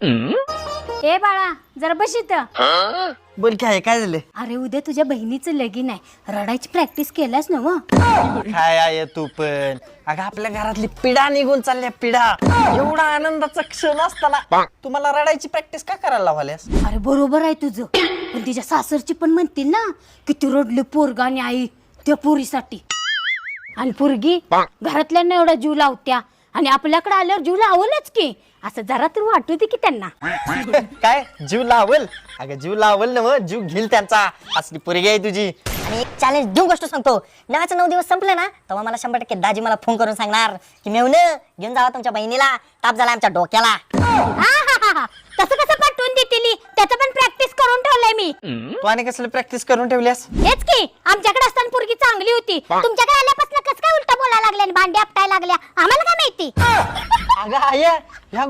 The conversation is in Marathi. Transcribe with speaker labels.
Speaker 1: ए बाळा जरा बस इथं.
Speaker 2: बोल काय काय झालं?
Speaker 1: अरे उद्या तुझ्या बहिणीचं लगीन आहे, रडायची प्रॅक्टिस केल्यास ना व?
Speaker 2: काय आहे तू पण? अगं आपल्या घरातली पिढा निघून चालल्या, पिढा. एवढा आनंदाचा क्षण असताना तुम्हाला रडायची प्रॅक्टिस का करायला लावल्यास?
Speaker 1: अरे बरोबर आहे तुझं, पण तिच्या सासरची पण म्हणतील ना किती रडले पोरगा आणि आई त्या पोरीसाठी. आणि पोरगी घरातल्यांना एवढा जीव लावत्या आणि आपल्याकडे आल्यावर जीव लावलच की, असं जरा तर वाटू दे की त्यांना.
Speaker 2: काय जीव लावल? अगं जीव लावल ना मग, जीव घेईल त्यांचा. असली पोरगी आहे तुझी.
Speaker 3: आणि एक चॅलेंज देऊन गोष्ट सांगतो, लग्नाचे 9 दिवस संपले ना तेव्हा मला 100% दाजी मला फोन करून सांगणार की मेवण घेऊन जावा तुमच्या बहिणीला, ताप झाला आमच्या डोक्याला.
Speaker 1: तसं कसं पाठवून देतील, त्याचं पण प्रॅक्टिस करून ठेवलंय मी.
Speaker 2: तू आणि कसलं प्रॅक्टिस करून ठेवल्यास?
Speaker 1: हेच की आमच्याकडे असताना पोरगी चांगली होती, तुमच्याकडे आल्यापासून कसं काय उलटा बोलायला लागल्या आणि भांडी आपटायला लागल्या आम्हाला काय माहिती.
Speaker 2: अगं आय, ह्या